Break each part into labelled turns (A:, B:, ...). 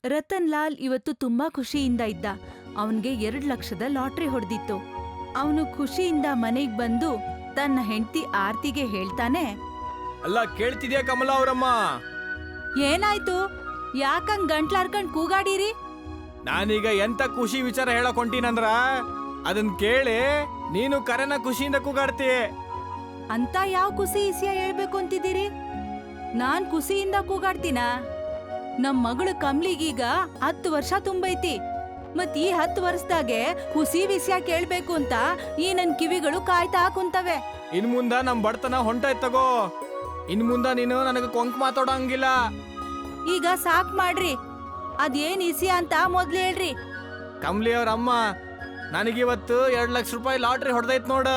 A: ರತನ್ ಲಾಲ್ ಇವತ್ತು ತುಂಬಾ ಖುಷಿಯಿಂದ ಇದ್ದ. ಅವನ್ಗೆ 2 ಲಕ್ಷದ ಲಾಟ್ರಿ ಹೊಡೆದಿತ್ತು. ಅವನು ಖುಷಿಯಿಂದ ಮನೆಗ್ ಬಂದು ತನ್ನ ಹೆಂಡತಿ ಆರ್ತಿಗೆ ಹೇಳ್ತಾನೆ,
B: ಅಲ್ಲ ಕೇಳ್ತಿದ್ಯಾ ಕಮಲಾ ಅವರಮ್ಮ?
A: ಏನಾಯ್ತು? ಯಾಕಂಗ್ ಗಂಟ್ಲಾರ್ಕಂಡ್ ಕೂಗಾಡಿರಿ?
B: ನಾನೀಗ ಎಂತ ಖುಷಿ ವಿಚಾರ ಹೇಳಕ್ ಹೊಂಟೀನಂದ್ರ ಅದನ್ ಕೇಳಿ ನೀನು ಕರೆನ ಖುಷಿಯಿಂದ ಕೂಗಾಡ್ತಿ.
A: ಅಂತ ಯಾವ ಖುಷಿ ಇಸಿಯ ಹೇಳ್ಬೇಕು ಅಂತಿದ್ದೀರಿ? ನಾನ್ ಖುಷಿಯಿಂದ ಕೂಗಾಡ್ತೀನ? ನಮ್ ಮಗಳು ಕಮ್ಲಿಗೀಗ 10 ವರ್ಷ ತುಂಬೈತಿ. ಮತ್ ಈ 10 ವರ್ಷದಾಗೆ ಖುಷಿ ವಿಷಯ ಕೇಳ್ಬೇಕು ಅಂತ ಈ ನನ್ ಕಿವಿಗಳು ಕಾಯ್ತಾ ಕುಂತವೆ.
B: ಇನ್ ಮುಂದ ನಮ್ ಬಡತನ ಹೊಂಟಾಯ್ತ್ ತಗೋ. ಇನ್ ಮುಂದ ನೀನು ನನಗ ಕೊಂಕ್ ಮಾತಾಡೋಂಗಿಲ್ಲ.
A: ಈಗ ಸಾಕ್ ಮಾಡ್ರಿ. ಅದೇನ್ ಇಸಿಯ ಅಂತ ಮೊದ್ಲು ಹೇಳ್ರಿ.
B: ಕಮ್ಲಿ ಅವ್ರ ಅಮ್ಮ, ನನಗಿವತ್ತು 2 ಲಕ್ಷ ರೂಪಾಯಿ ಲಾಟ್ರಿ ಹೊಡೆದೈತ್ ನೋಡ.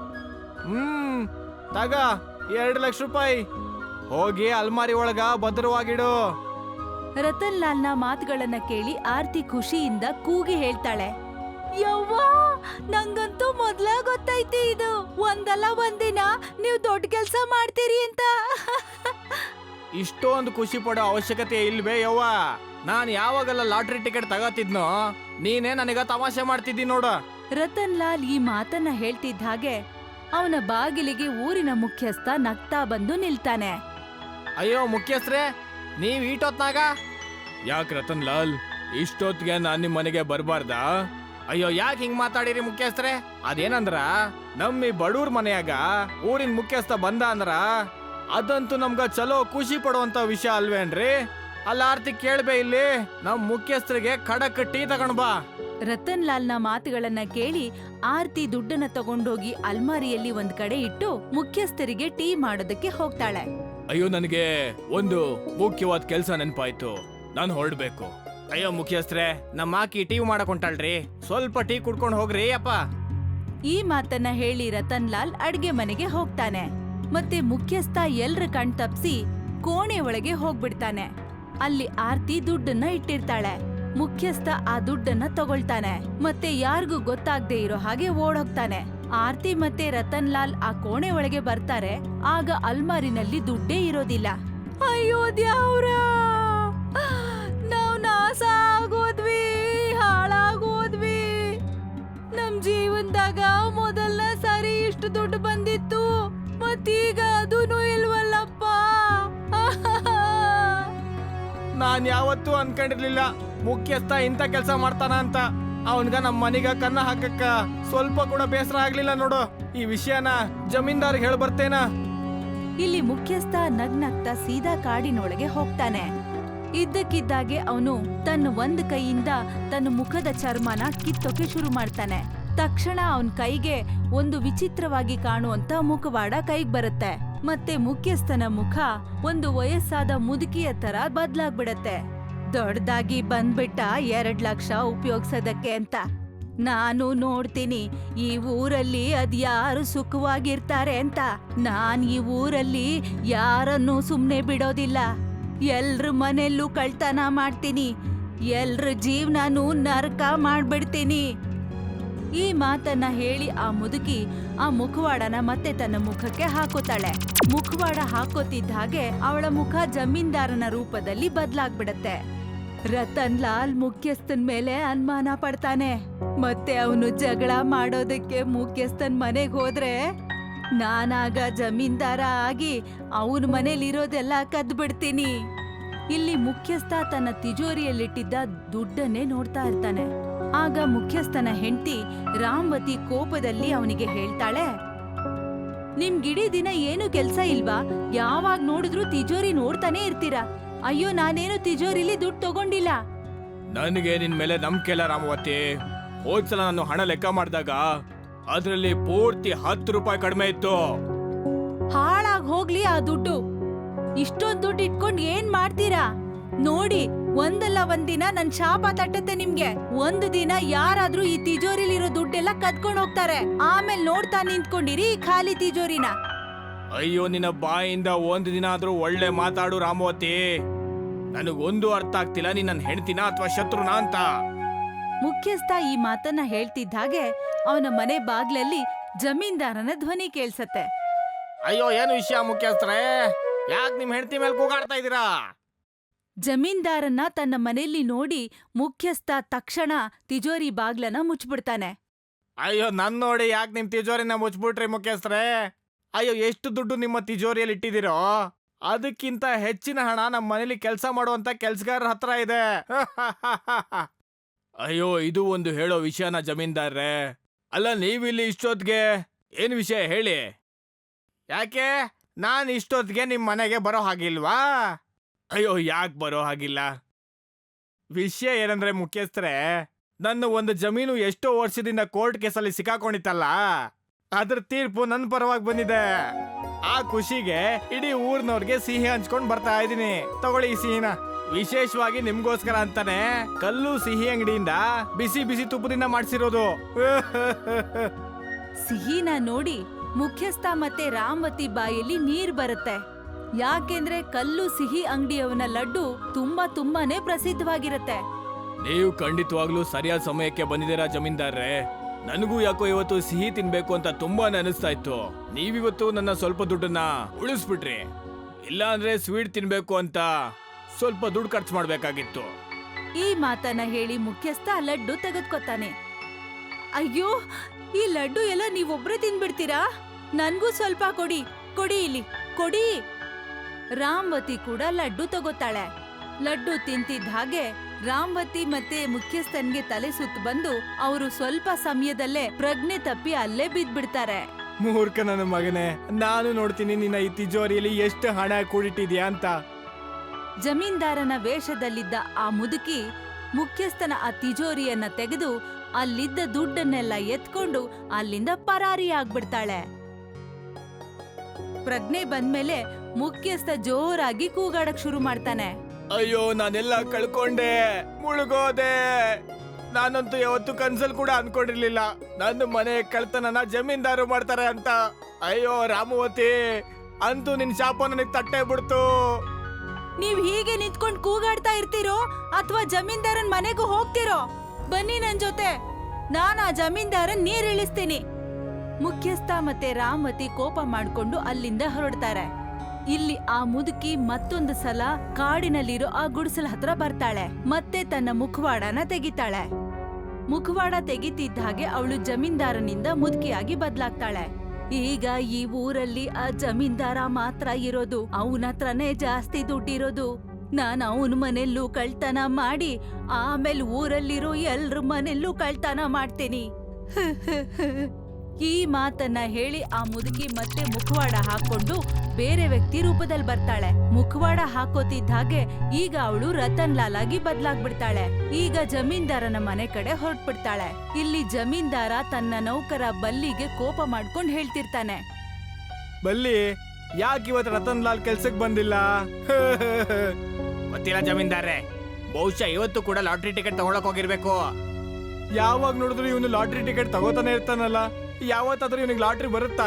B: ತಗ 2 ಲಕ್ಷ ರೂಪಾಯಿ. ಹೋಗಿ ಅಲ್ಮಾರಿ ಒಳಗ ಭದ್ರವಾಗಿಡು.
A: ರತನ್ ಲಾಲ್ನ ಮಾತುಗಳನ್ನ ಕೇಳಿ ಆರ್ತಿ ಖುಷಿಯಿಂದ ಕೂಗಿ ಹೇಳ್ತಾಳೆ, ಯವ್ವಾ, ನಂಗಂತೂ ಮೊದ್ಲ ಗೊತ್ತೈತಿ ಇದು. ಒಂದಲ್ಲ ಒಂದಿನ ನೀವ್ ದೊಡ್ಡ ಕೆಲ್ಸ ಮಾಡ್ತೀರಿ ಅಂತ.
B: ಇಷ್ಟೊಂದು ಖುಷಿ ಪಡೋ ಅವಶ್ಯಕತೆ ಇಲ್ವೇ ಯವ್ವ? ನಾನ್ ಯಾವಾಗೆಲ್ಲ ಲಾಟ್ರಿ ಟಿಕೆಟ್ ತಗೋತಿದ್ನೋ ನೀನೇ ನನಗ ತಮಾಷೆ ಮಾಡ್ತಿದ್ದಿ ನೋಡ.
A: ರತನ್ ಲಾಲ್ ಈ ಮಾತನ್ನ ಹೇಳ್ತಿದ್ದ ಹಾಗೆ ಅವನ ಬಾಗಿಲಿಗೆ ಊರಿನ ಮುಖ್ಯಸ್ಥ ನಗ್ತಾ ಬಂದು ನಿಲ್ತಾನೆ.
B: ಅಯ್ಯೋ ಮುಖ್ಯಸ್ಥರೇ, ನೀವ್ ಈಟೊತ್ನಾಗ? ಯಾಕೆ ರತನ್ ಲಾಲ್, ಇಷ್ಟೊತ್ತಿಗೆ ನಾನ್ ನಿಮ್ ಮನೆಗೆ ಬರ್ಬಾರ್ದಾ? ಅಯ್ಯೋ ಯಾಕೆ ಹಿಂಗ್ ಮಾತಾಡಿರಿ ಮುಖ್ಯಸ್ಥರೇ? ಅದೇನಂದ್ರ ನಮ್ಮ ಈ ಬಡೂರ್ ಮನೆಯಾಗ ಊರಿನ ಮುಖ್ಯಸ್ಥ ಬಂದ ಅಂದ್ರ ಅದಂತೂ ನಮ್ಗ ಚಲೋ ಖುಷಿ ಪಡುವಂತ ವಿಷಯ ಅಲ್ವೇನ್ರಿ? ಅಲ್ಲ ಆರ್ತಿ ಕೇಳ್ಬೇ, ಇಲ್ಲಿ ನಮ್ ಮುಖ್ಯಸ್ಥರಿಗೆ ಖಡಕ್ ಟೀ ತಗೊಂಡ್ ಬಾ.
A: ರತನ್ ಲಾಲ್ನ ಮಾತುಗಳನ್ನ ಕೇಳಿ ಆರ್ತಿ ದುಡ್ಡನ್ನ ತಗೊಂಡೋಗಿ ಅಲ್ಮಾರಿಯಲ್ಲಿ ಒಂದ್ ಕಡೆ ಇಟ್ಟು ಮುಖ್ಯಸ್ಥರಿಗೆ ಟೀ ಮಾಡೋದಕ್ಕೆ ಹೋಗ್ತಾಳೆ.
B: ಅಯ್ಯೋ ನನಗೆ ಒಂದು ಮುಖ್ಯವಾದ ಕೆಲ್ಸ ನೆನ್ಪಾಯ್ತು, ನಾನು ಹೊರಡ್ಬೇಕು. ಅಯ್ಯೋ ಮುಖ್ಯಸ್ಥರೇ, ನಮ್ಮ ಆಕಿ ಟೀ ಮಾಡಕ್ ಹೊಂಟಾಳ್ರಿ, ಸ್ವಲ್ಪ ಟೀ ಕುಡ್ಕೊಂಡು ಹೋಗ್ರಿ ಅಪ್ಪ.
A: ಈ ಮಾತನ್ನ ಹೇಳಿ ರತನ್ ಲಾಲ್ ಅಡ್ಗೆ ಮನೆಗೆ ಹೋಗ್ತಾನೆ. ಮತ್ತೆ ಮುಖ್ಯಸ್ಥ ಎಲ್ರ ಕಣ್ ತಪ್ಸಿ ಕೋಣೆ ಒಳಗೆ ಹೋಗ್ಬಿಡ್ತಾನೆ. ಅಲ್ಲಿ ಆರ್ತಿ ದುಡ್ಡನ್ನ ಇಟ್ಟಿರ್ತಾಳೆ. ಮುಖ್ಯಸ್ಥ ಆ ದುಡ್ಡನ್ನ ತಗೊಳ್ತಾನೆ. ಮತ್ತೆ ಯಾರಿಗೂ ಗೊತ್ತಾಗ್ದೇ ಇರೋ ಹಾಗೆ ಓಡೋಗ್ತಾನೆ. ಆರ್ತಿ ಮತ್ತೆ ರತನ್ ಲಾಲ್ ಆ ಕೋಣೆ ಒಳಗೆ ಬರ್ತಾರೆ. ಆಗ ಅಲ್ಮಾರಿನಲ್ಲಿ ದುಡ್ಡೇ ಇರೋದಿಲ್ಲ. ಅಯ್ಯೋ ದ್ಯಾವ್ರ, ನಾವ್ ನಾಶ ಆಗೋದ್ವಿ, ಹಾಳಾಗೋದ್ವಿ. ನಮ್ ಜೀವನದಾಗ ಮೊದಲನೇ ಸಾರಿ ಇಷ್ಟು ದುಡ್ಡು ಬಂದಿತ್ತು, ಮತ್ತೀಗ ಅದೂನು ಇಲ್ವಲ್ಲಪ್ಪ.
B: ನಾನ್ ಯಾವತ್ತೂ ಅನ್ಕೊಂಡಿರ್ಲಿಲ್ಲ ಮುಖ್ಯಸ್ಥ ಇಂತ ಕೆಲ್ಸ ಮಾಡ್ತಾನ ಅಂತ. ಅವನ್ಗ ನಮ್ ಮನಿಗ ಕನ್ನ ಹಾಕಕ್ಕ ಸ್ವಲ್ಪ ಕೂಡ ಬೇಸರ ಆಗ್ಲಿಲ್ಲ ನೋಡು. ಈ ವಿಷಯನ ಜಮೀನ್ದಾರ್ಗೆ ಹೇಳ ಬರ್ತೇನ.
A: ಇಲ್ಲಿ ಮುಖ್ಯಸ್ಥ ನಗ್ನಗ್ತಾ ಸೀದಾ ಕಾಡಿನೊಳಗೆ ಹೋಗ್ತಾನೆ. ಇದ್ದಕ್ಕಿದ್ದಾಗೆ ಅವನು ತನ್ನ ಒಂದ್ ಕೈಯಿಂದ ತನ್ನ ಮುಖದ ಚರ್ಮನ ಕಿತ್ತೋಕೆ ಶುರು ಮಾಡ್ತಾನೆ. ತಕ್ಷಣ ಅವನ್ ಕೈಗೆ ಒಂದು ವಿಚಿತ್ರವಾಗಿ ಕಾಣುವಂತ ಮುಖವಾಡ ಕೈಗ್ ಬರುತ್ತೆ. ಮತ್ತೆ ಮುಖ್ಯಸ್ಥನ ಮುಖ ಒಂದು ವಯಸ್ಸಾದ ಮುದುಕಿಯ ತರ ಬದ್ಲಾಗ್ಬಿಡತ್ತೆ. ದೊಡ್ಡದಾಗಿ ಬಂದ್ಬಿಟ್ಟ 2 ಲಕ್ಷ ಉಪಯೋಗ್ಸೋದಕ್ಕೆ ಅಂತ. ನಾನು ನೋಡ್ತೀನಿ ಈ ಊರಲ್ಲಿ ಅದ್ಯಾರು ಸುಖವಾಗಿರ್ತಾರೆ ಅಂತ. ನಾನ್ ಈ ಊರಲ್ಲಿ ಯಾರನ್ನೂ ಸುಮ್ನೆ ಬಿಡೋದಿಲ್ಲ. ಎಲ್ರ ಮನೆಯಲ್ಲೂ ಕಳ್ತನ ಮಾಡ್ತೀನಿ, ಎಲ್ರ ಜೀವನನೂ ನರಕ ಮಾಡ್ಬಿಡ್ತೀನಿ. ಈ ಮಾತನ್ನ ಹೇಳಿ ಆ ಮುದುಕಿ ಆ ಮುಖವಾಡನ ಮತ್ತೆ ತನ್ನ ಮುಖಕ್ಕೆ ಹಾಕೋತಾಳೆ. ಮುಖವಾಡ ಹಾಕೋತಿದ್ದ ಹಾಗೆ ಅವಳ ಮುಖ ಜಮೀನ್ದಾರನ ರೂಪದಲ್ಲಿ ಬದ್ಲಾಗ್ಬಿಡತ್ತೆ. ರತನ್ ಲಾಲ್ ಮುಖ್ಯಸ್ಥನ್ ಮೇಲೆ ಅನುಮಾನ ಪಡ್ತಾನೆ. ಮತ್ತೆ ಅವನು ಜಗಳ ಮಾಡೋದಕ್ಕೆ ಮುಖ್ಯಸ್ಥನ್ ಮನೆಗ್ ಹೋದ್ರೆ ನಾನಾಗ ಜಮೀನ್ದಾರ ಆಗಿ ಅವನ ಮನೇಲಿರೋದೆಲ್ಲ ಕದ್ಬಿಡ್ತೀನಿ. ಇಲ್ಲಿ ಮುಖ್ಯಸ್ಥ ತನ್ನ ತಿಜೋರಿಯಲ್ಲಿಟ್ಟಿದ್ದ ದುಡ್ಡನ್ನೇ ನೋಡ್ತಾ ಇರ್ತಾನೆ. ಆಗ ಮುಖ್ಯಸ್ಥನ ಹೆಂಡತಿ ರಾಮವತಿ ಕೋಪದಲ್ಲಿ ಅವನಿಗೆ ಹೇಳ್ತಾಳೆ, ನಿಮ್ಗಿಡೀ ದಿನ ಏನು ಕೆಲ್ಸ ಇಲ್ವಾ? ಯಾವಾಗ ನೋಡಿದ್ರು ತಿಜೋರಿ ನೋಡ್ತಾನೆ ಇರ್ತೀರಾ. ಅಯ್ಯೋ, ನಾನೇನು ತಿಜೋರಿಲಿ ದುಡ್ಡು ತಗೊಂಡಿಲ್ಲ.
B: ನನಗೆ ನಿನ್ ಮೇಲೆ ನಂಬಿಕೆ ಇಲ್ಲ ರಾಮವತಿ. ಹೋದ್ಸಲ ನಾನು ಹಣ ಲೆಕ್ಕ ಮಾಡಿದಾಗ ಅದ್ರಲ್ಲಿ ಪೂರ್ತಿ 10 ರೂಪಾಯಿ ಕಡಿಮೆ ಇತ್ತು.
A: ಹಾಳಾಗ್ ಹೋಗ್ಲಿ ಆ ದುಡ್ಡು. ಇಷ್ಟೊಂದ್ ದುಡ್ಡು ಇಟ್ಕೊಂಡ್ ಏನ್ ಮಾಡ್ತೀರಾ? ನೋಡಿ, ಒಂದಲ್ಲ ಒಂದಿನ ನನ್ ಶಾಪ ತಟ್ಟತ್ತೆ ನಿಮ್ಗೆ. ಒಂದು ದಿನ ಯಾರಾದ್ರೂ ಈ ತಿಜೋರಿಲಿರೋ ದುಡ್ಡೆಲ್ಲ ಕದ್ಕೊಂಡ್ ಹೋಗ್ತಾರೆ. ಆಮೇಲೆ ನೋಡ್ತಾ ನಿಂತ್ಕೊಂಡಿರಿ ಈ ಖಾಲಿ ತಿಜೋರಿನ.
B: ಅಯ್ಯೋ, ನಿನ್ನ ಬಾಯಿಂದ ಒಂದು ದಿನ ಆದ್ರೂ ಒಳ್ಳೆ ಮಾತಾಡು ರಾಮವತಿ. ನನಗೊಂದು ಅರ್ಥ ಆಗ್ತಿಲ್ಲ, ನೀನ್ ನನ್ನ ಹೆಂಡ್ತಿನ ಅಥವಾ ಶತ್ರುನ ಅಂತ.
A: ಮುಖ್ಯಸ್ಥ ಈ ಮಾತನ್ನ ಹೇಳ್ತಿದ್ದ ಹಾಗೆ ಅವನ ಮನೆ ಬಾಗ್ಲಲ್ಲಿ ಜಮೀನ್ದಾರನ ಧ್ವನಿ ಕೇಳ್ಸತ್ತೆ.
B: ಅಯ್ಯೋ, ಏನು ವಿಷಯ ಮುಖ್ಯಸ್ಥರೇ? ಯಾಕೆ ನಿಮ್ ಹೆಂಡತಿ ಮೇಲೆ ಕೂಗಾಡ್ತಾ ಇದೀರಾ?
A: ಜಮೀನ್ದಾರನ್ನ ತನ್ನ ಮನೆಯಲ್ಲಿ ನೋಡಿ ಮುಖ್ಯಸ್ಥ ತಕ್ಷಣ ತಿಜೋರಿ ಬಾಗ್ಲನ್ನ ಮುಚ್ಚಿಬಿಡ್ತಾನೆ.
B: ಅಯ್ಯೋ ನನ್ ನೋಡಿ ಯಾಕೆ ನಿಮ್ ತಿಜೋರಿನ ಮುಚ್ಬಿಟ್ರಿ ಮುಖ್ಯಸ್ಥರೇ? ಅಯ್ಯೋ ಎಷ್ಟು ದುಡ್ಡು ನಿಮ್ಮ ತಿಜೋರಿಯಲ್ಲಿ ಇಟ್ಟಿದ್ದೀರೋ ಅದಕ್ಕಿಂತ ಹೆಚ್ಚಿನ ಹಣ ನಮ್ಮ ಮನೇಲಿ ಕೆಲಸ ಮಾಡುವಂತ ಕೆಲ್ಸಗಾರರ ಹತ್ರ ಇದೆ. ಅಯ್ಯೋ ಇದು ಒಂದು ಹೇಳೋ ವಿಷಯನ ಜಮೀನ್ದಾರ್ರೆ? ಅಲ್ಲ ನೀವಿಲ್ಲಿ ಇಷ್ಟೊತ್ತಿಗೆ ಏನ್ ವಿಷಯ ಹೇಳಿ? ಯಾಕೆ ನಾನ್ ಇಷ್ಟೊತ್ತಿಗೆ ನಿಮ್ ಮನೆಗೆ ಬರೋ ಹಾಗಿಲ್ವಾ? ಅಯ್ಯೋ ಯಾಕೆ ಬರೋ ಹಾಗಿಲ್ಲ? ವಿಷಯ ಏನಂದ್ರೆ ಮುಖ್ಯಸ್ಥರೇ, ನನ್ನ ಒಂದು ಜಮೀನು ಎಷ್ಟೋ ವರ್ಷದಿಂದ ಕೋರ್ಟ್ ಕೇಸಲ್ಲಿ ಸಿಕ್ಕಾಕೊಂಡಿತ್ತಲ್ಲ, ಅದ್ರ ತೀರ್ಪು ನನ್ನ ಪರವಾಗಿ ಬಂದಿದೆ. ಆ ಖುಷಿಗೆ ಇಡೀ ಊರ್ನವ್ರಿಗೆ ಸಿಹಿ ಹಂಚ್ಕೊಂಡ್ ಬರ್ತಾ ಇದೀನಿ. ತಗೊಳ್ಳಿ ಈ ಸಿಹಿನ. ವಿಶೇಷವಾಗಿ ನಿಮ್ಗೋಸ್ಕರ ಅಂತಾನೆ ಕಲ್ಲು ಸಿಹಿ ಅಂಗಡಿಯಿಂದ ಬಿಸಿ ಬಿಸಿ ತುಪ್ಪದಿಂದ ಮಾಡ್ಸಿರೋದು.
A: ಸಿಹಿನ ನೋಡಿ ಮುಖ್ಯಸ್ಥ ಮತ್ತೆ ರಾಮವತಿ ಬಾಯಲ್ಲಿ ನೀರ್ ಬರುತ್ತೆ. ಯಾಕೆಂದ್ರೆ ಕಲ್ಲು ಸಿಹಿ ಅಂಗಡಿಯವನ ಲಡ್ಡು ತುಂಬಾನೇ ಪ್ರಸಿದ್ಧವಾಗಿರತ್ತೆ.
B: ನೀವು ಖಂಡಿತವಾಗ್ಲೂ ಸರಿಯಾದ ಸಮಯಕ್ಕೆ ಬಂದಿದ್ದೀರಾ ಜಮೀನ್ದಾರ್ರೆ. ನನಗೂ ಯಾಕೋ ಇವತ್ತು ಸಿಹಿ ತಿನ್ಬೇಕು ಅಂತ ತುಂಬಾನೇ ಅನಿಸ್ತಾ ಇತ್ತು. ನೀವಿವತ್ತು ನನ್ನ ಸ್ವಲ್ಪ ದುಡ್ಡನ್ನ ಉಳಿಸ್ಬಿಟ್ರಿ. ಇಲ್ಲ ಅಂದ್ರೆ ಸ್ವೀಟ್ ತಿನ್ಬೇಕು ಅಂತ ಸ್ವಲ್ಪ ದುಡ್ಡು ಖರ್ಚು ಮಾಡ್ಬೇಕಾಗಿತ್ತು.
A: ಈ ಮಾತನ್ನ ಹೇಳಿ ಮುಖ್ಯಸ್ಥ ಲಡ್ಡು ತೆಗೆದುಕೊತಾನೆ. ಅಯ್ಯೋ, ಈ ಲಡ್ಡು ಎಲ್ಲ ನೀವೊಬ್ರೇ ತಿನ್ಬಿಡ್ತೀರಾ? ನನ್ಗೂ ಸ್ವಲ್ಪ ಕೊಡಿ, ಕೊಡಿ ಇಲ್ಲಿ, ಕೊಡಿ. ರಾಮವತಿ ಕೂಡ ಲಡ್ಡು ತಗೋತಾಳೆ. ಲಡ್ಡು ತಿಂತಿದ್ದ ಹಾಗೆ ರಾಮವತಿ ಮತ್ತೆ ಮುಖ್ಯಸ್ಥನ್ಗೆ ತಲೆ ಸುತ್ತು ಬಂದು ಅವರು ಸ್ವಲ್ಪ ಸಮಯದಲ್ಲೇ ಪ್ರಜ್ಞೆ ತಪ್ಪಿ ಅಲ್ಲೇ ಬಿದ್ಬಿಡ್ತಾರೆ.
B: ಮೂರ್ಖ ನನ್ನ ಮಗನೇ, ನಾನು ನೋಡ್ತೀನಿ ನಿನ್ನ ಈ ತಿಜೋರಿಯಲ್ಲಿ ಎಷ್ಟು ಹಣ ಕೂಡಿಟ್ಟಿದ್ಯಾ ಅಂತ.
A: ಜಮೀನ್ದಾರನ ವೇಷದಲ್ಲಿದ್ದ ಆ ಮುದುಕಿ ಮುಖ್ಯಸ್ಥನ ಆ ತಿಜೋರಿಯನ್ನ ತೆಗೆದು ಅಲ್ಲಿದ್ದ ದುಡ್ಡನ್ನೆಲ್ಲ ಎತ್ಕೊಂಡು ಅಲ್ಲಿಂದ ಪರಾರಿ ಆಗ್ಬಿಡ್ತಾಳೆ. ಪ್ರಜ್ಞೆ ಬಂದ್ಮೇಲೆ ಮುಖ್ಯಸ್ಥ ಜೋರಾಗಿ ಕೂಗಾಡಕ್ ಶುರು ಮಾಡ್ತಾನೆ.
B: ಅಯ್ಯೋ ನಾನೆಲ್ಲ ಕಳ್ಕೊಂಡೆ, ಮುಳುಗೋದೆ. ನಾನಂತೂ ಯಾವತ್ತು ಕನ್ಸಲ್ ಕೂಡ ಅನ್ಕೊಂಡಿರ್ಲಿಲ್ಲ ನನ್ನ ಮನೆ ಕಳ್ತನನ ಜಮೀನ್ದಾರು ಮಾಡ್ತಾರೆ ಅಂತ. ಅಯ್ಯೋ ರಾಮವತಿ, ಅಂತೂ ನಿನ್ ಶಾಪ ನನಗ್ ತಟ್ಟೆ ಬಿಡ್ತು.
A: ನೀವ್ ಹೀಗೆ ನಿಂತ್ಕೊಂಡ್ ಕೂಗಾಡ್ತಾ ಇರ್ತೀರೋ ಅಥವಾ ಜಮೀನ್ದಾರನ್ ಮನೆಗೂ ಹೋಗ್ತಿರೋ? ಬನ್ನಿ ನನ್ ಜೊತೆ, ನಾನ್ ಆ ಜಮೀನ್ದಾರನ್ ನೀರ್ ಇಳಿಸ್ತೀನಿ. ಮುಖ್ಯಸ್ಥ ಮತ್ತೆ ರಾಮವತಿ ಕೋಪ ಮಾಡ್ಕೊಂಡು ಅಲ್ಲಿಂದ ಹೊರಡ್ತಾರೆ. ಇಲ್ಲಿ ಆ ಮುದುಕಿ ಮತ್ತೊಂದು ಸಲ ಕಾಡಿನಲ್ಲಿರೋ ಆ ಗುಡಿಸಲ ಹತ್ರ ಬರ್ತಾಳೆ. ಮತ್ತೆ ತನ್ನ ಮುಖವಾಡನ ತೆಗಿತಾಳೆ. ಮುಖವಾಡ ತೆಗಿತಿದ್ದ ಹಾಗೆ ಅವಳು ಜಮೀನ್ದಾರನಿಂದ ಮುದುಕಿಯಾಗಿ ಬದ್ಲಾಗ್ತಾಳೆ. ಈಗ ಈ ಊರಲ್ಲಿ ಆ ಜಮೀನ್ದಾರ ಮಾತ್ರ ಇರೋದು, ಅವನ ಹತ್ರನೇ ಜಾಸ್ತಿ ದುಡ್ಡಿರೋದು. ನಾನ್ ಅವನ ಮನೆಯಲ್ಲೂ ಕಳ್ತನ ಮಾಡಿ ಆಮೇಲೆ ಊರಲ್ಲಿರೋ ಎಲ್ರ ಮನೆಯಲ್ಲೂ ಕಳ್ತನ ಮಾಡ್ತೀನಿ. ಈ ಮಾತನ್ನ ಹೇಳಿ ಆ ಮುದುಕಿ ಮತ್ತೆ ಮುಖವಾಡ ಹಾಕೊಂಡು ಬೇರೆ ವ್ಯಕ್ತಿ ರೂಪದಲ್ಲಿ ಬರ್ತಾಳೆ. ಮುಖವಾಡ ಹಾಕೋತಿದ್ದ ಹಾಗೆ ಈಗ ಅವಳು ರತನ್ ಲಾಲ್ ಆಗಿ ಬದ್ಲಾಗ್ಬಿಡ್ತಾಳೆ. ಈಗ ಜಮೀನ್ದಾರನ ಮನೆ ಕಡೆ ಹೊರಟ್ಬಿಡ್ತಾಳೆ. ಇಲ್ಲಿ ಜಮೀನ್ದಾರ ತನ್ನ ನೌಕರ ಬಲ್ಲಿಗೆ ಕೋಪ ಮಾಡ್ಕೊಂಡು ಹೇಳ್ತಿರ್ತಾನೆ.
B: ಬಲ್ಲಿ, ಯಾಕೆ ಇವತ್ತು ರತನ್ ಲಾಲ್ ಕೆಲ್ಸಕ್ಕೆ ಬಂದಿಲ್ಲ? ಗೊತ್ತಿಲ್ಲ ಜಮೀನ್ದಾರ್ರೆ, ಬಹುಶಃ ಇವತ್ತು ಕೂಡ ಲಾಟ್ರಿ ಟಿಕೆಟ್ ತಗೊಳಕ್ ಹೋಗಿರ್ಬೇಕು. ಯಾವಾಗ ನೋಡಿದ್ರು ಇವನು ಲಾಟ್ರಿ ಟಿಕೆಟ್ ತಗೋತಾನೆ ಇರ್ತಾನಲ್ಲ, ಯಾವತ್ತಾದ್ರೂ ಇವನಿಗೆ ಲಾಟ್ರಿ ಬರುತ್ತಾ?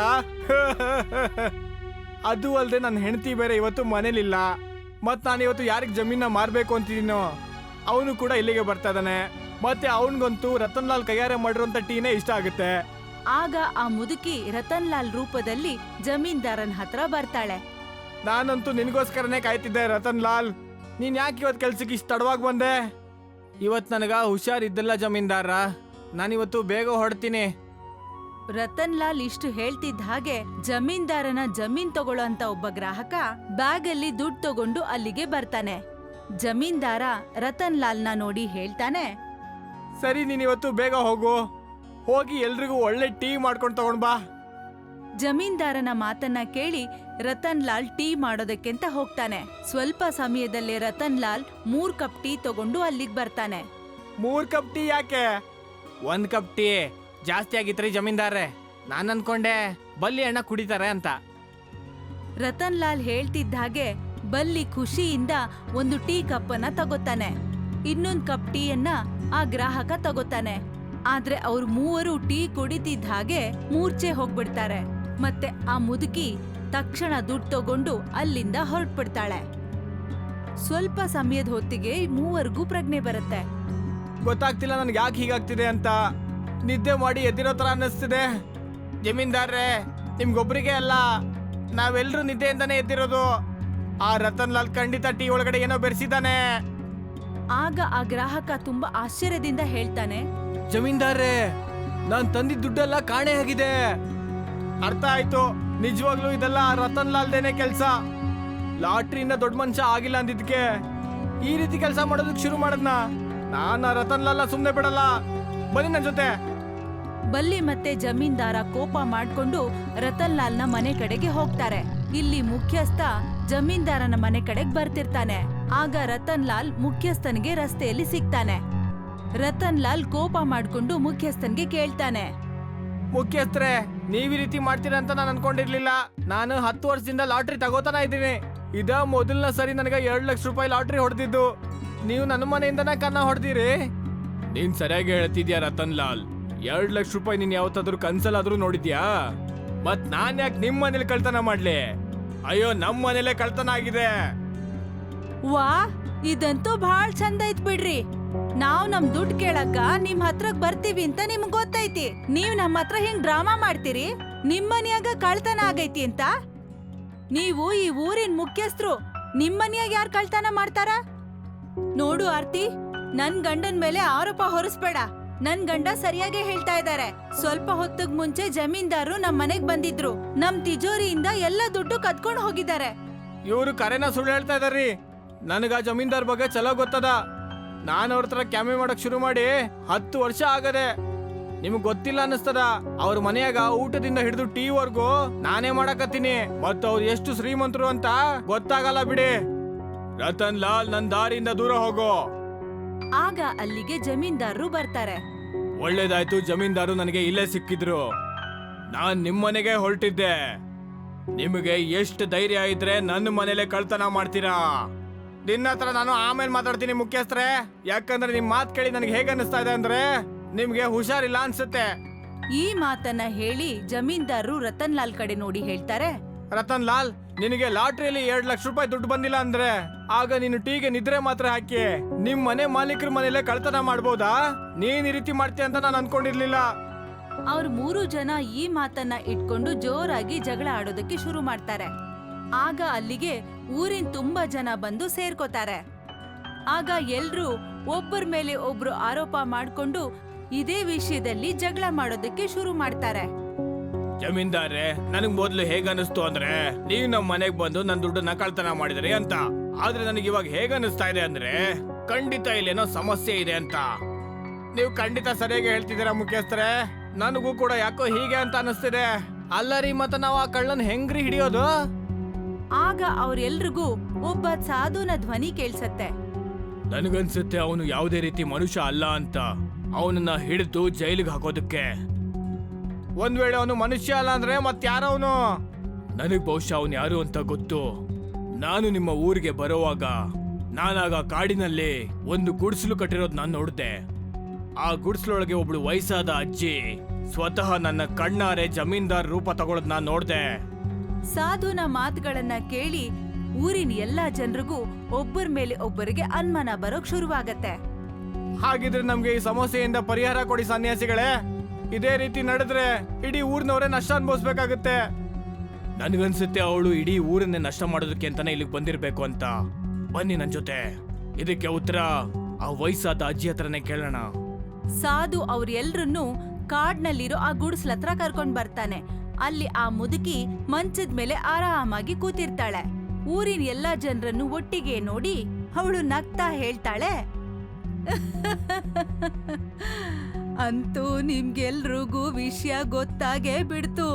B: ಅದು ಅಲ್ಲದೆ ನನ್ನ ಹೆಂಡತಿ ಬೇರೆ ಇವತ್ತು ಮನೇಲಿಲ್ಲ. ಮತ್ ನಾನು ಇವತ್ತು ಯಾರಿಗೆ ಜಮೀನ ಮಾರ್ಬೇಕು ಅಂತಿದ್ದೀನೋ ಅವನು ಕೂಡ ಇಲ್ಲಿಗೆ ಬರ್ತಾ ಇದ್ದಾನೆ. ಮತ್ತೆ ಅವನಿಗಂತೂ ರತನ್ ಲಾಲ್ ಕೈಯಾರೆ ಮಾಡಿರೋಂಥ ಟೀನೇ ಇಷ್ಟ ಆಗುತ್ತೆ.
A: ಆಗ ಆ ಮುದುಕಿ ರತನ್ ಲಾಲ್ ರೂಪದಲ್ಲಿ ಜಮೀನ್ದಾರನ್ ಹತ್ರ ಬರ್ತಾಳೆ.
B: ನಾನಂತೂ ನಿನಗೋಸ್ಕರನೇ ಕಾಯ್ತಿದ್ದೆ ರತನ್ ಲಾಲ್. ನೀನ್ ಯಾಕೆ ಇವತ್ತು ಕೆಲ್ಸಕ್ಕೆ ಇಷ್ಟು ತಡವಾಗಿ ಬಂದೆ? ಇವತ್ತು ನನಗ ಹುಷಾರಿದ್ದಲ್ಲ ಜಮೀನ್ದಾರ, ನಾನಿವತ್ತು ಬೇಗ ಹೊರಡ್ತೀನಿ.
A: ರತನ್ ಲಾಲ್ ಇಷ್ಟು ಹೇಳ್ತಿದ್ದ ಹಾಗೆ ಜಮೀನ್ದಾರನ ಜಮೀನ್ ತಗೊಳ್ಳೋ ಅಂತ ಒಬ್ಬ ಗ್ರಾಹಕ ಬ್ಯಾಗ್ ಅಲ್ಲಿ ದುಡ್ಡು ತಗೊಂಡು ಅಲ್ಲಿಗೆ ಬರ್ತಾನೆ. ಜಮೀನ್ದಾರ ರತನ್ ಲಾಲ್ನ ನೋಡಿ ಹೇಳ್ತಾನೆ,
B: ಸರಿ ನೀನಿವತ್ತು ಬೇಗ ಹೋಗು, ಹೋಗಿ ಎಲ್ರಿಗೂ ಒಳ್ಳೆ ಟೀ ಮಾಡ್ಕೊಂಡು ತಗೊಂಡ್ ಬಾ.
A: ಜಮೀನ್ದಾರನ ಮಾತನ್ನ ಕೇಳಿ ರತನ್ ಲಾಲ್ ಟೀ ಮಾಡೋದಕ್ಕೆಂತ ಹೋಗ್ತಾನೆ. ಸ್ವಲ್ಪ ಸಮಯದಲ್ಲೇ ರತನ್ ಲಾಲ್ 3 ಕಪ್ ಟೀ ತಗೊಂಡು ಅಲ್ಲಿಗೆ ಬರ್ತಾನೆ.
B: 3 ಕಪ್ ಟೀ ಯಾಕೆ? 1 ಕಪ್ ಟೀ ಜಾಸ್ತಿ ಆಗಿತ್ರಿ ಜಮೀನ್ದಾರ್ರೆ. ನಾನು ಅನ್ಕೊಂಡೆ ಬಲ್ಲಿ ಅಣ್ಣ ಕುಡಿತಾರೆ ಅಂತ.
A: ರತನ್ ಲಾಲ್ ಹೇಳ್ತಿದ್ದ ಹಾಗೆ ಬಲ್ಲಿ ಖುಷಿಯಿಂದ ಒಂದು ಟೀ ಕಪ್ಪನ್ನ ತಗೋತಾನೆ. ಇನ್ನೊಂದು ಕಪ್ ಟೀಯನ್ನ ಆ ಗ್ರಾಹಕ ತಗೋತಾನೆ. ಆದ್ರೆ ಅವ್ರು ಮೂವರು ಟೀ ಕುಡಿತಿದ್ದ ಹಾಗೆ ಮೂರ್ಛೆ ಹೋಗ್ಬಿಡ್ತಾರೆ. ಮತ್ತೆ ಆ ಮುದುಕಿ ತಕ್ಷಣ ದುಡ್ಡು ತಗೊಂಡು ಅಲ್ಲಿಂದ ಹೊರಟ್ಬಿಡ್ತಾಳೆ. ಸ್ವಲ್ಪ ಸಮಯದ ಹೊತ್ತಿಗೆ ಮೂವರಿಗೂ ಪ್ರಜ್ಞೆ ಬರುತ್ತೆ.
B: ಗೊತ್ತಾಗ್ತಿಲ್ಲ ನನ್ಗೆ ಯಾಕೆ ಹೀಗಾಗ್ತಿದೆ ಅಂತ. ನಿದ್ದೆ ಮಾಡಿ ಎದ್ದಿರೋ ತರ ಅನ್ನಿಸ್ತಿದೆ. ಜಮೀನ್ದಾರ್ರೆ, ನಿಮ್ಗೊಬ್ರಿಗೆ ಅಲ್ಲ, ನಾವೆಲ್ಲರೂ ನಿದ್ದೆಯಿಂದಾನೇ ಎದ್ದಿರೋದು. ಆ ರತನ್ ಲಾಲ್ ಖಂಡಿತ ಟೀ ಒಳಗಡೆ ಏನೋ ಬೆರೆಸಿದ್ದಾನೆ.
A: ಆಗ ಆ ಗ್ರಾಹಕ ತುಂಬಾ ಆಶ್ಚರ್ಯದಿಂದ ಹೇಳ್ತಾನೆ,
B: ಜಮೀನ್ದಾರ್ರೆ, ನಾನ್ ತಂದಿದ್ದ ದುಡ್ಡೆಲ್ಲ ಕಾಣೆ ಆಗಿದೆ. ಅರ್ಥ ಆಯ್ತು, ನಿಜವಾಗ್ಲೂ ಇದೆಲ್ಲ ಆ ರತನ್ ಲಾಲ್ದೇನೆ ಕೆಲ್ಸ. ಲಾಟ್ರಿಯಿಂದ ದೊಡ್ಡ ಮನುಷ್ಯ ಆಗಿಲ್ಲ ಅಂದಿದ್ಕೆ ಈ ರೀತಿ ಕೆಲಸ ಮಾಡೋದಕ್ಕೆ ಶುರು ಮಾಡದ್ನ. ನಾನು ಆ ರತನ್ ಲಾಲ್ ಸುಮ್ನೆ ಬಿಡಲ್ಲ, ಬನ್ನಿ ನನ್ ಜೊತೆ.
A: ಬಲ್ಲಿ ಮತ್ತೆ ಜಮೀನ್ದಾರ ಕೋಪ ಮಾಡ್ಕೊಂಡು ರತನ್ ಲಾಲ್ನ ಮನೆ ಕಡೆಗೆ ಹೋಗ್ತಾರೆ. ಇಲ್ಲಿ ಮುಖ್ಯಸ್ಥ ಜಮೀನ್ದಾರನ ಮನೆ ಕಡೆಗೆ ಬರ್ತಿರ್ತಾನೆ. ಆಗ ರತನ್ ಲಾಲ್ ಮುಖ್ಯಸ್ಥನಿಗೆ ರಸ್ತೆಯಲ್ಲಿ ಸಿಗ್ತಾನೆ. ರತನ್ ಲಾಲ್ ಕೋಪ ಮಾಡ್ಕೊಂಡು ಮುಖ್ಯಸ್ಥನ್ಗೆ ಕೇಳ್ತಾನೆ,
B: ಮುಖ್ಯಸ್ಥರೇ, ನೀವ್ ಈ ರೀತಿ ಮಾಡ್ತೀರಾ ಅಂತ ನಾನು ಅನ್ಕೊಂಡಿರ್ಲಿಲ್ಲ. ನಾನು 10 ವರ್ಷದಿಂದ ಲಾಟ್ರಿ ತಗೋತಾನ ಇದ್ದೀನಿ. ಇದ ಮೊದಲನ ಸರಿ ನನಗೆ 2 ಲಕ್ಷ ರೂಪಾಯಿ ಲಾಟ್ರಿ ಹೊಡೆದಿದ್ದು. ನೀವು ನನ್ನ ಮನೆಯಿಂದನೇ ಕನ್ನ ಹೊಡೆದಿರಿ. ನೀನ್ ಸರಿಯಾಗಿ ಹೇಳ್ತಿದ್ಯಾ ರತನ್ ಲಾಲ್. 2 ಲಕ್ಷ ರೂಪಾಯಿ ನೀನ್ ಯಾವತ್ತಾದ್ರೂ ಕನ್ಸಲ್ಲಾದ್ರೂ ನೋಡಿದ್ಯಾ? ಮತ್ ನಾನ್ ಯಾಕೆ ನಿಮ್ ಮನೇಲಿ ಕಳ್ತನ ಮಾಡ್ಲಿ? ಅಯ್ಯೋ, ನಮ್ ಮನೇಲೆ ಕಳ್ತನ ಆಗಿದೆ.
A: ವಾ, ಇದಂತೂ ಬಹಳ ಚಂದ ಐತ್ ಬಿಡ್ರಿ. ನಾವ್ ನಮ್ ದುಡ್ಡು ಕೇಳಕ್ಕ ನಿಮ್ ಹತ್ರಕ್ ಬರ್ತೀವಿ ಅಂತ ನಿಮ್ಗ್ ಗೊತ್ತೈತಿ. ನೀವ್ ನಮ್ಮ ಹತ್ರ ಹಿಂಗ್ ಡ್ರಾಮಾ ಮಾಡ್ತೀರಿ. ನಿಮ್ ಮನ್ಯಾಗ ಕಳ್ತನ ಆಗೈತಿ ಅಂತ. ನೀವು ಈ ಊರಿನ ಮುಖ್ಯಸ್ಥರು, ನಿಮ್ ಮನ್ಯಾಗ ಯಾರ್ ಕಳ್ತನ ಮಾಡ್ತಾರ? ನೋಡು ಆರ್ತಿ, ನನ್ ಗಂಡನ್ ಮೇಲೆ ಆರೋಪ ಹೊರಿಸ್ಬೇಡ. ನನ್ ಗಂಡ ಸರಿಯಾಗಿ ಹೇಳ್ತಾ ಇದ್ದಾರೆ. ಸ್ವಲ್ಪ ಹೊತ್ತಿಗ್ ಮುಂಚೆ ಜಮೀನ್ದಾರು ನಮ್ ಮನೆಗ್ ಬಂದಿದ್ರು. ನಮ್ ತಿಜೋರಿಯಿಂದ ಎಲ್ಲ ದುಡ್ಡು ಕದ್ಕೊಂಡ್ ಹೋಗಿದ್ದಾರೆ.
B: ಇವ್ರು ಕರೆನ ಸುಳ್ಳು ಹೇಳ್ತಾ ಇದಾರ್ರಿ. ನನಗ ಜಮೀನ್ದಾರ್ ಬಗ್ಗೆ ಚಲೋ ಗೊತ್ತದ. ನಾನು ಅವ್ರ ಹತ್ರ ಕ್ಯಾಮೆ ಮಾಡಕ್ ಶುರು ಮಾಡಿ 10 ವರ್ಷ ಆಗದೆ. ನಿಮಗ್ ಗೊತ್ತಿಲ್ಲ ಅನ್ನಿಸ್ತದ, ಅವ್ರ ಮನೆಯಾಗ ಊಟದಿಂದ ಹಿಡಿದು ಟೀ ವರ್ಗೂ ನಾನೇ ಮಾಡಕತ್ತೀನಿ. ಮತ್ತ ಅವ್ರು ಎಷ್ಟು ಶ್ರೀಮಂತರು ಅಂತ ಗೊತ್ತಾಗಲ್ಲ ಬಿಡಿ. ರತನ್ ಲಾಲ್, ನನ್ ದಾರಿಯಿಂದ ದೂರ ಹೋಗೋ.
A: ಆಗ ಅಲ್ಲಿಗೆ ಜಮೀನ್ದಾರರು ಬರ್ತಾರೆ.
B: ಒಳ್ಳೇದಾಯ್ತು, ಜಮೀನ್ದಾರು ನನಗೆ ಇಲ್ಲೇ ಸಿಕ್ಕಿದ್ರು. ನಾನ್ ನಿಮ್ಮನೆಗೆ ಹೊರಟಿದ್ದೆ. ನಿಮಗೆ ಎಷ್ಟು ಧೈರ್ಯ ಇದ್ರೆ ನನ್ನ ಮನೇಲೆ ಕಳ್ತನ ಮಾಡ್ತೀರಾ? ನಿನ್ನ ಹತ್ರ ನಾನು ಆಮೇಲೆ ಮಾತಾಡ್ತೀನಿ ಮುಖ್ಯಸ್ಥರೇ. ಯಾಕಂದ್ರೆ ನಿಮ್ ಮಾತ್ ಕೇಳಿ ನನಗೆ ಹೇಗೆ ಅನಿಸ್ತಾ ಇದೆ ಅಂದ್ರೆ ನಿಮ್ಗೆ ಹುಷಾರಿಲ್ಲ ಅನ್ಸುತ್ತೆ.
A: ಈ ಮಾತನ್ನ ಹೇಳಿ ಜಮೀನ್ದಾರರು ರತನ್ ಲಾಲ್ ಕಡೆ ನೋಡಿ ಹೇಳ್ತಾರೆ,
B: ರತನ್ ಲಾಲ್, ನಿನಗೆ ಲಾಟ್ರಿಯಲ್ಲಿ 2 ಲಕ್ಷ ರೂಪಾಯಿ ದುಡ್ಡು ಬಂದಿಲ್ಲ ಅಂದ್ರೆ ಆಗ ನೀನು ಟೀಗೆ ನಿದ್ರೆ ಮಾತ್ರ ಹಾಕಿ ನಿಮ್ ಮನೆ ಮಾಲೀಕರ ಮನೇಲೆ ಕಳ್ತನ ಮಾಡ್ಬೋದಾ? ನೀನ್ ಈ ರೀತಿ ಮಾಡ್ತೀಯ ಅಂತ ನಾನು ಅನ್ಕೊಂಡಿರ್ಲಿಲ್ಲ.
A: ಅವ್ರ 3 ಜನ ಈ ಮಾತನ್ನ ಇಟ್ಕೊಂಡು ಜೋರಾಗಿ ಜಗಳ ಆಡೋದಕ್ಕೆ ಶುರು ಮಾಡ್ತಾರೆ. ಆಗ ಅಲ್ಲಿಗೆ ಊರಿನ ತುಂಬಾ ಜನ ಬಂದು ಸೇರ್ಕೋತಾರೆ. ಆಗ ಎಲ್ರೂ ಒಬ್ಬರ ಮೇಲೆ ಒಬ್ರು ಆರೋಪ ಮಾಡ್ಕೊಂಡು ಇದೇ ವಿಷಯದಲ್ಲಿ ಜಗಳ ಮಾಡೋದಕ್ಕೆ ಶುರು ಮಾಡ್ತಾರೆ.
B: ಜಮೀನ್ದಾರೆ, ನನಗ್ ಮೊದ್ಲು ಹೇಗ ಅನಿಸ್ತು ಅಂದ್ರೆ ನೀವು ನಮ್ ಮನೆಗ್ ಬಂದು ನನ್ ದುಡ್ಡನ್ನ ಕಳ್ತನ ಮಾಡಿದ್ರಿ ಅಂತ. ಆದ್ರೆ ನನಗೆ ಇವಾಗ ಹೇಗ ಅನಿಸ್ತಾ ಇದೆ ಅಂದ್ರೆ ಖಂಡಿತ ಇಲ್ಲೇನೋ ಸಮಸ್ಯೆ ಇದೆ ಅಂತ. ನೀವು ಖಂಡಿತ ಸರಿಯಾಗಿ ಹೇಳ್ತಿದ್ದೀರಾ ಮುಖ್ಯಸ್ಥರೇ. ನನಗೂ ಕೂಡ ಯಾಕೋ ಹೀಗೆ ಅಂತ ಅನಿಸ್ತಿದೆ. ಅಲ್ಲರಿ, ಮತ್ತೆ ನಾವು ಆ ಕಳ್ಳನ್ ಹೆಂಗ್ರಿ ಹಿಡಿಯೋದು?
A: ಆಗ ಅವ್ರೆಲ್ರಿಗೂ ಒಬ್ಬ ಸಾಧುನ ಧ್ವನಿ ಕೇಳ್ಸತ್ತೆ.
B: ನನಗನ್ಸುತ್ತೆ ಅವನು ಯಾವುದೇ ರೀತಿ ಮನುಷ್ಯ ಅಲ್ಲ ಅಂತ. ಅವನನ್ನ ಹಿಡಿದು ಜೈಲಿಗೆ ಹಾಕೋದಕ್ಕೆ. ಒಂದ್ ವೇಳೆ ಅವನು ಮನುಷ್ಯ ಅಲ್ಲ ಅಂದ್ರೆ ಮತ್ತಾರವನು? ನನಗ್ ಬಹುಶಃ ಅವನು ಯಾರು ಅಂತ ಗೊತ್ತು. ನಾನು ನಿಮ್ಮ ಊರಿಗೆ ಬರುವಾಗ ನಾನಾಗ ಕಾಡಿನಲ್ಲಿ ಒಂದು ಗುಡಿಸಲು ಕಟ್ಟಿರೋದು ನಾನು ನೋಡಿದೆ. ಆ ಗುಡಿಸಲೊಳಗೆ ಒಬ್ಳು ವಯಸ್ಸಾದ ಅಜ್ಜಿ ಸ್ವತಃ ನನ್ನ ಕಣ್ಣಾರೆ ಜಮೀನ್ದಾರ್ ರೂಪ ತಗೊಳ್ಳೋದ್ ನಾನ್ ನೋಡ್ದೆ.
A: ಸಾಧುನ ಮಾತುಗಳನ್ನ ಕೇಳಿ ಊರಿನ ಎಲ್ಲಾ ಜನರಿಗೂ ಒಬ್ಬರ ಮೇಲೆ ಒಬ್ಬರಿಗೆ ಅನುಮಾನ ಬರೋಕ್ ಶುರುವಾಗತ್ತೆ.
B: ಹಾಗಿದ್ರೆ ನಮ್ಗೆ ಈ ಸಮಸ್ಯೆಯಿಂದ ಪರಿಹಾರ ಕೊಡಿ ಸನ್ಯಾಸಿಗಳೇ. ಇದೇ ರೀತಿ ನಡೆದ್ರೆ ಇಡೀ ಊರಿನವರೇ ನಷ್ಟ ಅನುಭವಿಸ್ಬೇಕಾಗುತ್ತೆ. ನನ್ಗನ್ಸುತ್ತೆ ಅವಳು ಇಡೀ ಊರನ್ನೇ ನಷ್ಟ ಮಾಡೋದಕ್ಕೆ ಅಂತಾನೆ ಇಲ್ಲಿಗೆ ಬಂದಿರ್ಬೇಕು ಅಂತ. ಬನ್ನಿ ನನ್ ಜೊತೆ. ಇದಕ್ಕೆ ಉತ್ತರ ಆ ವಯಸ್ಸಾದ ಅಜ್ಜಿ ಹತ್ರನೇ ಕೇಳೋಣ.
A: ಸಾಧು ಅವ್ರೆಲ್ರನ್ನೂ ಕಾಡ್ನಲ್ಲಿರೋ ಆ ಗುಡಿಸ್ಲ ಹತ್ರ ಕರ್ಕೊಂಡ್ ಬರ್ತಾನೆ. ಅಲ್ಲಿ ಆ ಮುದುಕಿ ಮಂಚದ ಮೇಲೆ ಆರಾಮಾಗಿ ಕೂತಿರ್ತಾಳೆ. ಊರಿನ ಎಲ್ಲಾ ಜನರನ್ನು ಒಟ್ಟಿಗೆ ನೋಡಿ ಅವಳು ನಗ್ತಾ ಹೇಳ್ತಾಳೆ, ಅಂತೂ ನಿಮ್ಗೆಲ್ರಿಗೂ ವಿಷಯ ಗೊತ್ತಾಗೇ ಬಿಡ್ತು.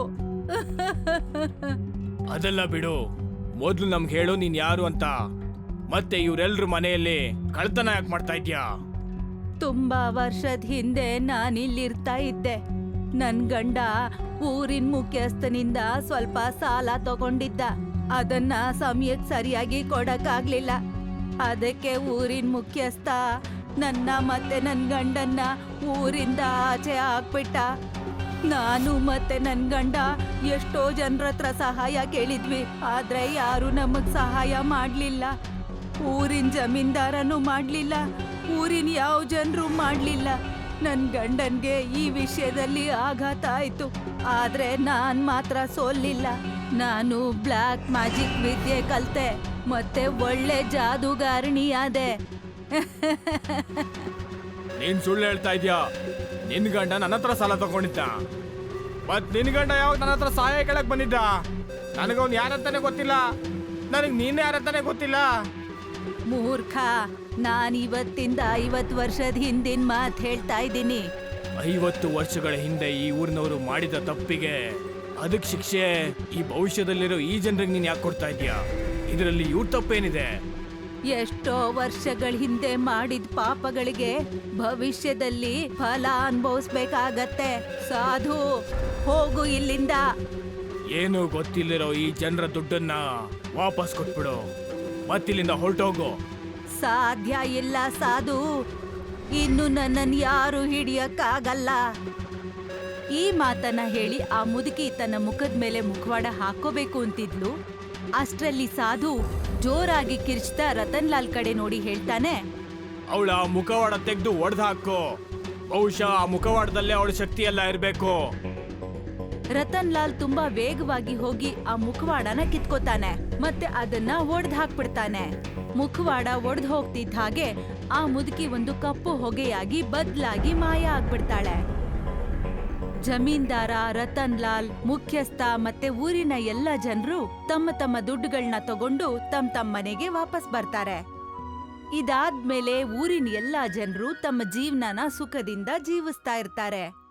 B: ಅದೆಲ್ಲ ಬಿಡು, ಮೊದ್ಲು ನಮ್ಗೆ ಹೇಳು ನೀನ್ ಯಾರು ಅಂತ. ಮತ್ತೆ ಇವ್ರೆಲ್ರ ಮನೆಯಲ್ಲಿ ಕಳ್ತನ ಯಾಕೆ ಮಾಡ್ತಾ ಇದ್ಯಾ?
A: ತುಂಬಾ ವರ್ಷದ ಹಿಂದೆ ನಾನಿಲ್ಲಿರ್ತಾ ಇದ್ದೆ. ನನ್ ಗಂಡ ಊರಿನ ಮುಖ್ಯಸ್ಥನಿಂದ ಸ್ವಲ್ಪ ಸಾಲ ತಗೊಂಡಿದ್ದ. ಅದನ್ನ ಸಮಯಕ್ಕೆ ಸರಿಯಾಗಿ ಕೊಡಕ್ಕಾಗ್ಲಿಲ್ಲ. ಅದಕ್ಕೆ ಊರಿನ ಮುಖ್ಯಸ್ಥ ನನ್ನ ಮತ್ತೆ ನನ್ ಗಂಡನ್ನ ಊರಿಂದ ಆಚೆ ಹಾಕ್ಬಿಟ್ಟ. ನಾನು ಮತ್ತೆ ನನ್ ಗಂಡ ಎಷ್ಟೋ ಜನರ ಹತ್ರ ಸಹಾಯ ಕೇಳಿದ್ವಿ, ಆದ್ರೆ ಯಾರು ನಮಗ್ ಸಹಾಯ ಮಾಡ್ಲಿಲ್ಲ. ಊರಿನ ಜಮೀನ್ದಾರನು ಮಾಡ್ಲಿಲ್ಲ, ಊರಿನ ಯಾವ ಜನರು ಮಾಡ್ಲಿಲ್ಲ. ನನ್ ಗಂಡನ್ಗೆ ಈ ವಿಷಯದಲ್ಲಿ ಆಘಾತ ಆಯ್ತು, ಆದ್ರೆ ನಾನ್ ಮಾತ್ರ ಸೋಲಿಲ್ಲ. ನಾನು ಬ್ಲ್ಯಾಕ್ ಮ್ಯಾಜಿಕ್ ವಿದ್ಯೆ ಕಲ್ತೆ ಮತ್ತೆ ಒಳ್ಳೆ ಜಾದೂಗಾರಿಣಿ ಆದೆ.
B: ನೀನ್ ಸುಳ್ಳು ಹೇಳ್ತಾ ಇದ್ಯಾ? ನಿನ್ ಗಂಡ ನನ್ನ ಹತ್ರ ಸಾಲ ತಗೊಂಡಿದ್ದ, ಮತ್ ನಿನ್ ಗಂಡ ಯಾವಾಗ ನನ್ನ ಹತ್ರ ಸಹಾಯ ಕೇಳಕ್ ಬಂದಿದ್ದ? ನನಗವ್ನು ಯಾರಂತಾನೆ ಗೊತ್ತಿಲ್ಲ, ನನಗ್ ನೀನ್ ಯಾರಂತಾನೆ ಗೊತ್ತಿಲ್ಲ.
A: ಮೂರ್ಖ, ನಾನ್ ಇವತ್ತಿಂದ 50 ವರ್ಷದ ಹಿಂದಿನ ಮಾತ್ ಹೇಳ್ತಾ ಇದ್ದೀನಿ.
B: 50 ವರ್ಷಗಳ ಹಿಂದೆ ಈ ಊರಿನವರು ಮಾಡಿದ ತಪ್ಪಿಗೆ ಅದಕ್ ಶಿಕ್ಷೆ ಈ ಭವಿಷ್ಯದಲ್ಲಿರೋ ಈ ಜನರಿಗೆ ನೀನ್ ಯಾಕೆ ಕೊಡ್ತಾ ಇದ್ಯಾ? ಇದರಲ್ಲಿ ಇವ್ರ ತಪ್ಪೇನಿದೆ?
A: ಎಷ್ಟೋ ವರ್ಷಗಳ ಹಿಂದೆ ಮಾಡಿದ ಪಾಪಗಳಿಗೆ ಭವಿಷ್ಯದಲ್ಲಿ ಫಲ ಅನುಭವಿಸ್ಬೇಕಾಗತ್ತೆ. ಸಾಧು, ಹೋಗು ಇಲ್ಲಿಂದ.
B: ಏನು ಗೊತ್ತಿಲ್ಲಿರೋ ಈ ಜನರ ದುಡ್ಡನ್ನ ವಾಪಸ್ ಕೊಟ್ಬಿಡು, ಮತ್ತಿಲ್ಲಿಂದ ಹೊರಟೋಗು.
A: ಸಾಧ್ಯ ಇಲ್ಲ ಸಾಧು, ಇನ್ನು ನನ್ನನ್ನು ಯಾರು ಹಿಡಿಯಕ್ಕಾಗಲ್ಲ. ಈ ಮಾತನ್ನ ಹೇಳಿ ಆ ಮುದುಕಿ ತನ್ನ ಮುಖದ ಮೇಲೆ ಮುಖವಾಡ ಹಾಕೋಬೇಕು ಅಂತಿದ್ಲು. ಅಷ್ಟ್ರಲ್ಲಿ ಸಾಧು ಜೋರಾಗಿ ಕಿರ್ಚ್ತಾ ರತನ್ ಲಾಲ್ ಕಡೆ ನೋಡಿ ಹೇಳ್ತಾನೆ,
B: ಅವಳ ಮುಖವಾಡ ತೆಗೆದು ಒಡೆದು ಹಾಕು. ಬಹುಶಃ ಆ ಮುಖವಾಡದಲ್ಲೇ ಅವಳ ಶಕ್ತಿ ಎಲ್ಲ ಇರಬೇಕು.
A: ರತನ್ ಲಾಲ್ ತುಂಬಾ ವೇಗವಾಗಿ ಹೋಗಿ ಆ ಮುಖವಾಡನ ಕಿತ್ಕೋತಾನೆ ಮತ್ತೆ ಅದನ್ನ ಒಡೆದು ಹಾಕ್ಬಿಡ್ತಾನೆ. ಮುಖವಾಡ ಒಡೆದು ಹೋಗ್ತಿದ್ದ ಹಾಗೆ ಆ ಮುದುಕಿ ಒಂದು ಕಪ್ಪು ಹೊಗೆಯಾಗಿ ಬದ್ಲಾಗಿ ಮಾಯ ಆಗ್ಬಿಡ್ತಾಳೆ. ಜಮೀನ್ದಾರ, ರತನ್ ಲಾಲ್, ಮುಖ್ಯಸ್ಥ ಮತ್ತೆ ಊರಿನ ಎಲ್ಲ ಜನರು ತಮ್ಮ ತಮ್ಮ ದುಡ್ಡುಗಳನ್ನ ತಗೊಂಡು ತಮ್ಮ ಮನೆಗೆ ವಾಪಸ್ ಬರ್ತಾರೆ. ಇದಾದ್ಮೇಲೆ ಊರಿನ ಎಲ್ಲಾ ಜನರು ತಮ್ಮ ಜೀವನನ ಸುಖದಿಂದ ಜೀವಿಸ್ತಾ ಇರ್ತಾರೆ.